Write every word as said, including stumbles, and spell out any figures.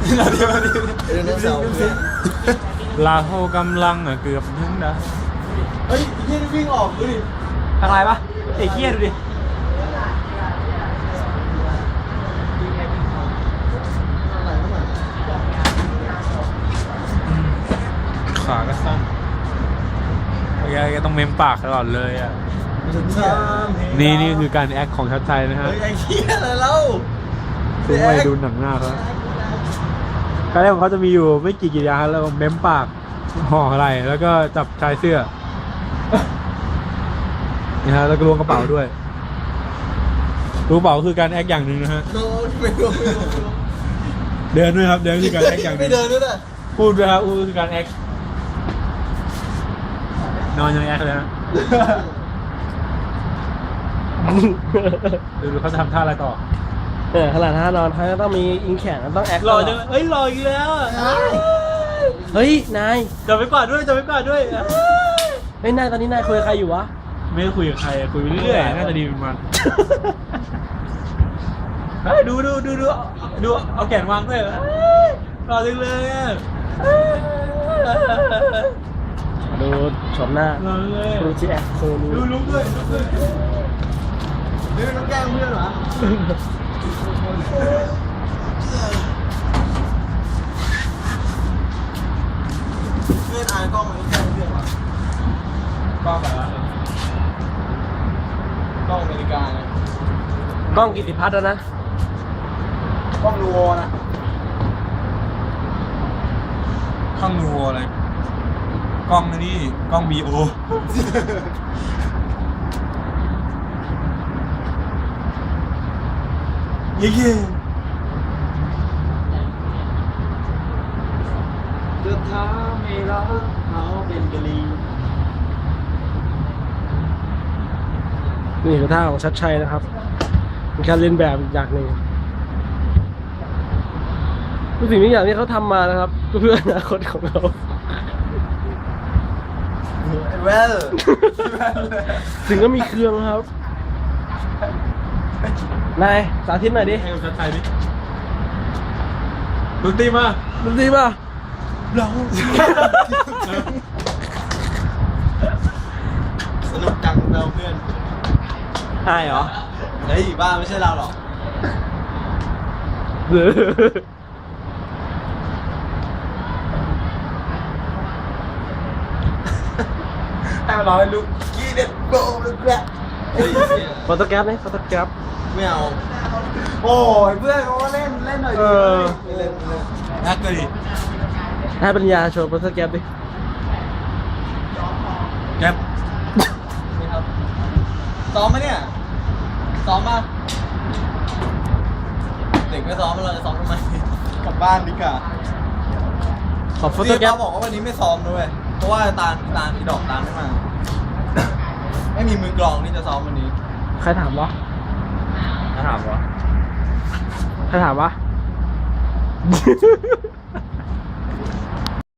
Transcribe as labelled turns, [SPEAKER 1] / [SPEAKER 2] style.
[SPEAKER 1] เดี๋ยวเดี๋ยวเดี๋ยวเสาร์
[SPEAKER 2] ลาโฮกำลังอ่ะเกือบถึงนะ
[SPEAKER 1] เฮ้ยยี่วิ่งออกดูดิ
[SPEAKER 2] ทางไรปะไอ้เคี้ยดูดิขาก็สั้นแกต้องเมมปากตลอดเลยอ่ะนี่นี่คือการแอคของชัดชัยนะฮะ
[SPEAKER 1] เฮ้ยไอ้เหี้ยอะไรเล่า
[SPEAKER 2] ซึ่งไปดูหนังหน้าเขาการแรกของเขาจะมีอยู่ไม่กี่กิริยาแล้วเมมปากห่ออะไรแล้วก็จับชายเสื้อนี่ฮะแล้วก็ล้วงกระเป๋าด้วยล้วงกระเป๋าคือการแอคอย่างหนึ่งนะฮะ
[SPEAKER 1] โน้ตไม่รู้ไม่รู้
[SPEAKER 2] เดินด้วยครับเดินคือการแอคอย่างหนึ่
[SPEAKER 1] ไม่
[SPEAKER 2] ง
[SPEAKER 1] เดินด้วยนะ
[SPEAKER 2] พูดด้วยครับพูดคือการแอคนอนยังแอคเลยนะดูดูเขาจะทำท่าอะไรต่อ
[SPEAKER 3] เออขนาดท่านอนเขาจะต้องมีอิงแขนต้องแอค
[SPEAKER 2] รอจังเอ้ยรออีกแล้ว
[SPEAKER 3] เฮ้ยนาย
[SPEAKER 2] จับไปกวาดด้วยจับไปกวาดด้วย
[SPEAKER 3] เฮ้ยนายตอนนี้นายคุยกับใครอยู่วะ
[SPEAKER 2] ไม่ได้คุยกับใครคุยไปเรื่อยๆน่าจะดีเป็นมันเฮ้ยดูดูดูดูดูเอาแขนวางด้วยรอจังเลยอ่ะ
[SPEAKER 3] ดูชมหน้าร
[SPEAKER 2] อเลย
[SPEAKER 3] ดูจีแอคโซนี้
[SPEAKER 2] ดูลุกด้วยลุกด้วย
[SPEAKER 1] เฮ้ยต้องแกล้งเพื่อนเหรอเพื่อนอายกล้องมันต้องแกล้งเพื่อนเหรอก
[SPEAKER 2] ล้องแบบนั้น
[SPEAKER 1] กล้องอเมริกานะ
[SPEAKER 3] กล้องกิติพัฒน์แล้วนะ
[SPEAKER 1] กล้องนูโวนะ
[SPEAKER 2] กล้องนูอะไรกล้องนี่กล้องบีโอเย้
[SPEAKER 1] จะทำให้รักเขาเป็นกะลี
[SPEAKER 3] นี่คือท่าของชัดชัยนะครับเป็นการเล่นแบบอีกอย่างหนึ่งทุกสิ่งทุกอย่างที่เขาทำมานะครับเพื่ออนาคตของเรา
[SPEAKER 1] เวล
[SPEAKER 3] ถึงก็มีเครื่องครับนายสาธิตหน่อยดิ
[SPEAKER 2] ให้กับชัดชัยดิดนตรีมา
[SPEAKER 3] ดูสิป่ะ
[SPEAKER 2] เรา
[SPEAKER 1] สนุกจังเราเพื่อน
[SPEAKER 3] อายเหรอ
[SPEAKER 1] เฮ้ยบ้าไม่ใช่เราหรอก
[SPEAKER 2] ให้มันร้องให้ลุก
[SPEAKER 1] กีเด็ดโบเลยแกละเฮ้ย
[SPEAKER 3] ฟอโต้แกรฟไหมฟอโต้แกรฟ
[SPEAKER 1] ไม่เอาโอ้ยเพื่อนเขาก็เล่นเล่นหน่อยดิ
[SPEAKER 3] เออ
[SPEAKER 1] ไม่เล่นไม่เล่น
[SPEAKER 2] นักเลยดิ
[SPEAKER 3] ให้ปัญญาโชว์ฟอโต้แกรฟดิ
[SPEAKER 2] แก๊ป
[SPEAKER 1] นี่ครับซ้อมไหมเนี่ยซ้อมป่ะเด็กไม่ซ้อมเราจะซ้อมทำไมกลับบ้านดีกว่า
[SPEAKER 3] ขอฟอโต้
[SPEAKER 1] พี่
[SPEAKER 3] แกรฟ
[SPEAKER 1] เขาบอกว่าวันนี้ไม่ซ้อมด้วยเพราะว่าตาลตาลอีดอกตาลไม่มา ไม่มีมือกลองที่จะซ้อมวันนี้
[SPEAKER 3] ใครถามวะ
[SPEAKER 2] ถามวะ
[SPEAKER 3] ใครถามวะ